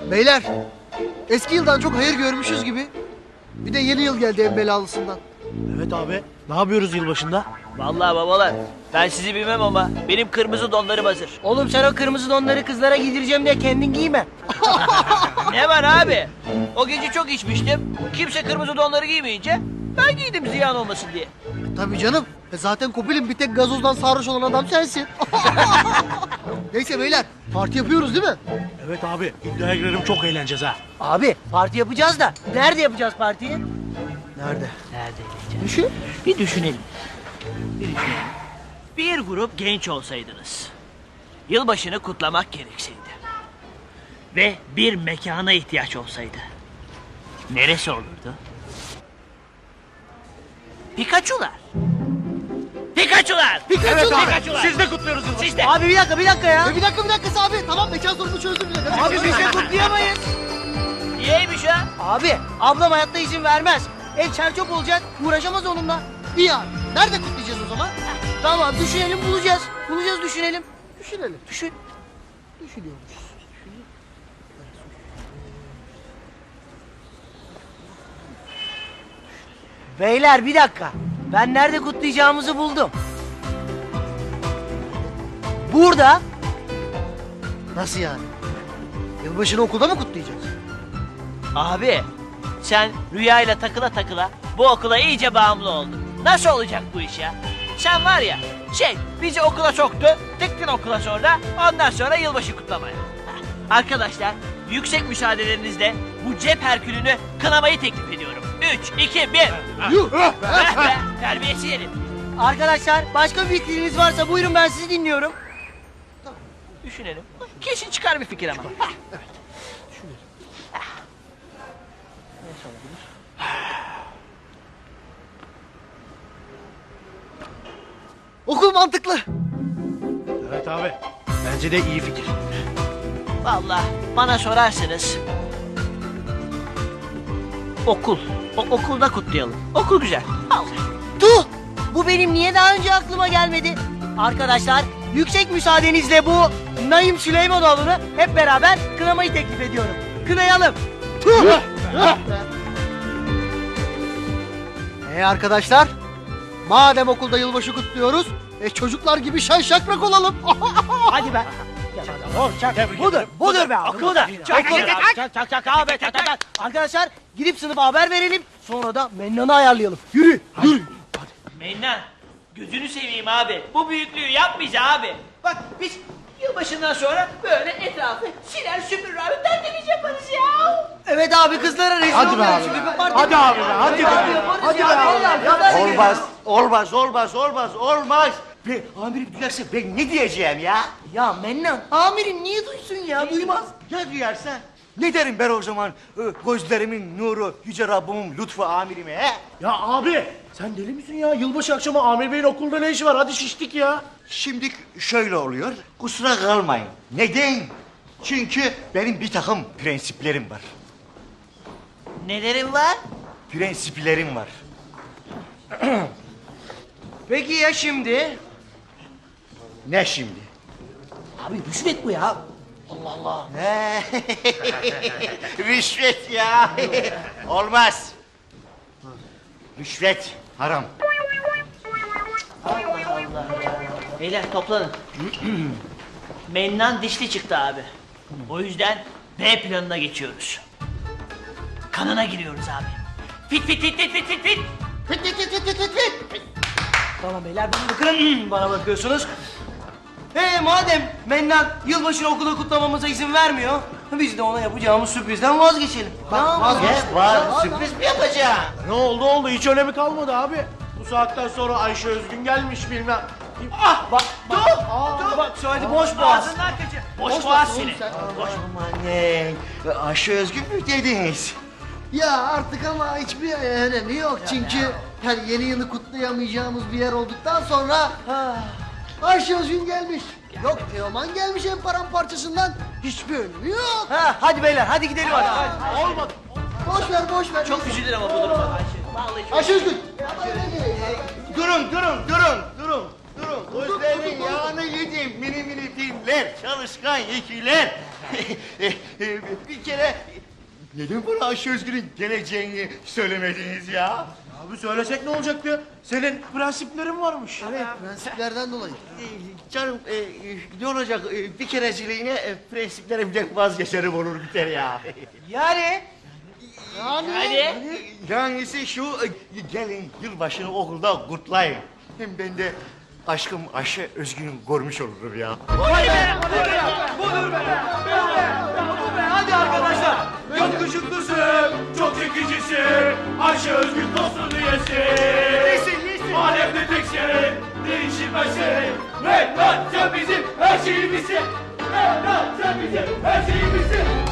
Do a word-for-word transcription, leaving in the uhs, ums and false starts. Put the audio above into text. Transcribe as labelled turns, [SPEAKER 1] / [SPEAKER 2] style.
[SPEAKER 1] Beyler, eski yıldan çok hayır görmüşüz gibi. Bir de yeni yıl geldi en belalısından.
[SPEAKER 2] Evet abi. Ne yapıyoruz yılbaşında?
[SPEAKER 3] Vallahi babalar, ben sizi bilmem ama benim kırmızı donlarım hazır.
[SPEAKER 4] Oğlum sen o kırmızı donları kızlara giydireceğim diye kendin giyme.
[SPEAKER 3] Ne var abi? O gece çok içmiştim. Kimse kırmızı donları giymeyince ben giydim ziyan olmasın diye.
[SPEAKER 1] Tabii canım. E zaten Kopil'in bir tek gazozdan sarhoş olan adam sensin. Neyse beyler, parti yapıyoruz değil mi?
[SPEAKER 2] Evet abi. İddiaya girerim, çok eğleneceğiz ha.
[SPEAKER 4] Abi parti yapacağız da nerede yapacağız partiyi?
[SPEAKER 1] Nerede?
[SPEAKER 3] Nerede eğleneceğiz?
[SPEAKER 4] Düşün.
[SPEAKER 3] Bir düşünelim. Bir düşünelim. Bir grup genç olsaydınız, yılbaşını kutlamak gerekseydi ve bir mekana ihtiyaç olsaydı, neresi olurdu? Pikachu'lar. Pikachu'lar.
[SPEAKER 1] Pikachu!
[SPEAKER 3] Pikachu'lar.
[SPEAKER 2] Siz de kutluyoruz yılbaşı.
[SPEAKER 3] Siz de.
[SPEAKER 4] Abi bir dakika bir dakika ya.
[SPEAKER 1] E bir dakika bir dakika abi. Tamam, mekan sorunu çözdüm bir dakika.
[SPEAKER 4] Abi biz de kutlayamayız.
[SPEAKER 3] Niyeymiş ha?
[SPEAKER 4] Abi ablam hayatta izin vermez. Ev çerçöp olacak, uğraşamaz onunla.
[SPEAKER 1] İyi abi. Nerede kutlayacağız o zaman?
[SPEAKER 4] Tamam düşünelim bulacağız. Bulacağız düşünelim.
[SPEAKER 1] Düşünelim.
[SPEAKER 4] Düşün.
[SPEAKER 1] Düşünüyormuş.
[SPEAKER 4] Beyler bir dakika. Ben nerede kutlayacağımızı buldum. Burada.
[SPEAKER 1] Nasıl yani? Yılbaşını okulda mı kutlayacağız?
[SPEAKER 3] Abi, sen rüyayla takıla takıla bu okula iyice bağımlı oldun. Nasıl olacak bu iş ya? Sen var ya, şey, bizi okula soktu, tıktın okula sonra, ondan sonra yılbaşı kutlamaya. Heh, Arkadaşlar, yüksek müsaadelerinizle bu cep herkülünü kınamayı teklif ediyorum. Üç, iki, bir.
[SPEAKER 1] Yuh!
[SPEAKER 3] Ver be, terbiyesiz herif.
[SPEAKER 4] Arkadaşlar başka bir fikriniz varsa buyurun ben sizi dinliyorum.
[SPEAKER 3] Düşünelim. Kesin çıkar bir fikir ama. Heh.
[SPEAKER 1] Okul mantıklı.
[SPEAKER 2] Evet abi. Bence de iyi fikir.
[SPEAKER 3] Vallahi bana sorarsanız okul. O, okulda kutlayalım. Okul güzel. Allah.
[SPEAKER 4] Tuh! Bu benim niye daha önce aklıma gelmedi? Arkadaşlar yüksek müsaadenizle bu Naim Süleymanoğlu'nu hep beraber kınamayı teklif ediyorum. Kınayalım.
[SPEAKER 1] E arkadaşlar, madem okulda yılbaşı kutluyoruz, e çocuklar gibi şen şakrak olalım.
[SPEAKER 4] Hadi be. Budur, budur be abi, budur. Çak, çak, çak, çak, abi, çak, çak, çak. Arkadaşlar gidip sınıfa haber verelim, sonra da Mennan'ı ayarlayalım. Yürü, yürü.
[SPEAKER 3] Mennan, gözünü seveyim abi. Bu büyüklüğü yapmayacağız abi. Bak biz yılbaşından sonra böyle etrafı siler süpürür abi. Tertemiz yaparız ya.
[SPEAKER 4] Evet abi kızlara rezil
[SPEAKER 2] Hadi be
[SPEAKER 4] olmayalım
[SPEAKER 2] abi.
[SPEAKER 4] çünkü bir parti-
[SPEAKER 2] Hadi abi be, hadi be.
[SPEAKER 4] Hadi yaparız
[SPEAKER 2] Hadi
[SPEAKER 4] ya,
[SPEAKER 2] be
[SPEAKER 4] vallahi
[SPEAKER 2] abi.
[SPEAKER 4] yaparız.
[SPEAKER 5] Olmaz, olmaz, olmaz, olmaz, olmaz. Ben, amirim duyarsa ben ne diyeceğim ya?
[SPEAKER 4] Ya Mennan, amirim niye duysun ya, duymaz.
[SPEAKER 5] Ya duyarsa? Ne derim ben o zaman e, gözlerimin nuru, yüce Rabbimin lütfu amirime he?
[SPEAKER 2] Ya abi. Sen deli misin ya? Yılbaşı akşamı Amir Bey'in okulda ne işi var? Hadi şiştik ya.
[SPEAKER 5] Şimdi şöyle oluyor, kusura kalmayın. Neden? Çünkü benim bir takım prensiplerim var.
[SPEAKER 3] Nelerin var?
[SPEAKER 5] Prensiplerim var.
[SPEAKER 4] Peki ya şimdi?
[SPEAKER 5] Ne şimdi?
[SPEAKER 4] Abi rüşvet bu ya.
[SPEAKER 5] He, rüşvet ya. Olmaz. Rüşvet haram.
[SPEAKER 3] Beyler toplanın. Mennan dişli çıktı abi. O yüzden B planına geçiyoruz. Kanına giriyoruz abi. Fit fit fit fit fit fit fit.
[SPEAKER 1] Fit fit fit fit fit fit.
[SPEAKER 4] Tamam beyler bana bakın, bana bakıyorsunuz. He madem Mennan yılbaşını okulda kutlamamıza izin vermiyor, biz de ona yapacağımız sürprizden vazgeçelim. Tamam mı?
[SPEAKER 5] Ne var? Sürpriz mi yapacağım?
[SPEAKER 2] Ne oldu oldu? Hiç önemi kalmadı abi. Bu saatten sonra Ayşe Özgün gelmiş bilmem.
[SPEAKER 3] Ah bak dur.
[SPEAKER 4] Aa, bak söyledi boş boğaz.
[SPEAKER 3] Ağzından kaçır. Boş boğaz seni.
[SPEAKER 5] Aman ne? Ayşe Özgün mü dediniz?
[SPEAKER 1] Ya artık ama hiçbir önemi yok çünkü hani yeni yılı kutlayamayacağımız bir yer olduktan sonra Ayşe Özgün gelmiş. Yok Teoman gelmiş en paramparçasından, hiçbir önemi yok.
[SPEAKER 4] Ha, hadi beyler hadi gidelim hadi.
[SPEAKER 2] Olmadı.
[SPEAKER 1] Boş ver boş ver.
[SPEAKER 3] Çok üzülür ama bu duruma Ayşe. Vallahi çok
[SPEAKER 1] Ayşe Özgün.
[SPEAKER 5] Durun, durun, durun, durun, durun. Gözlerimin yağını yedim mini mini filler, çalışkan ikiler. E, e, bir kere neden bana Ayşe Özgür'ün geleceğini söylemediniz ya?
[SPEAKER 2] Abi söylesek ne olacaktı? Senin prensiplerin varmış.
[SPEAKER 1] Evet, prensiplerden dolayı.
[SPEAKER 5] E, canım e, e, ne olacak? E, bir kereciliğine e, prensiplerimden vazgeçerim olur biter ya.
[SPEAKER 4] Yani
[SPEAKER 1] Yani,
[SPEAKER 3] Hadi.
[SPEAKER 5] Yanisi şu, e, gelin yılbaşını okulda kutlayın. Hem ben de aşkım Ayşe Özgün'ü görmüş olurum ya.
[SPEAKER 2] Hadi arkadaşlar. Yakışıklısın, çok çekicisin. Ayşe Özgün dostun üyesi. Alemde teksin, değişilmezsin. Mennan sen bizim her şeyimizsin. Mennan sen bizim her şeyimizsin.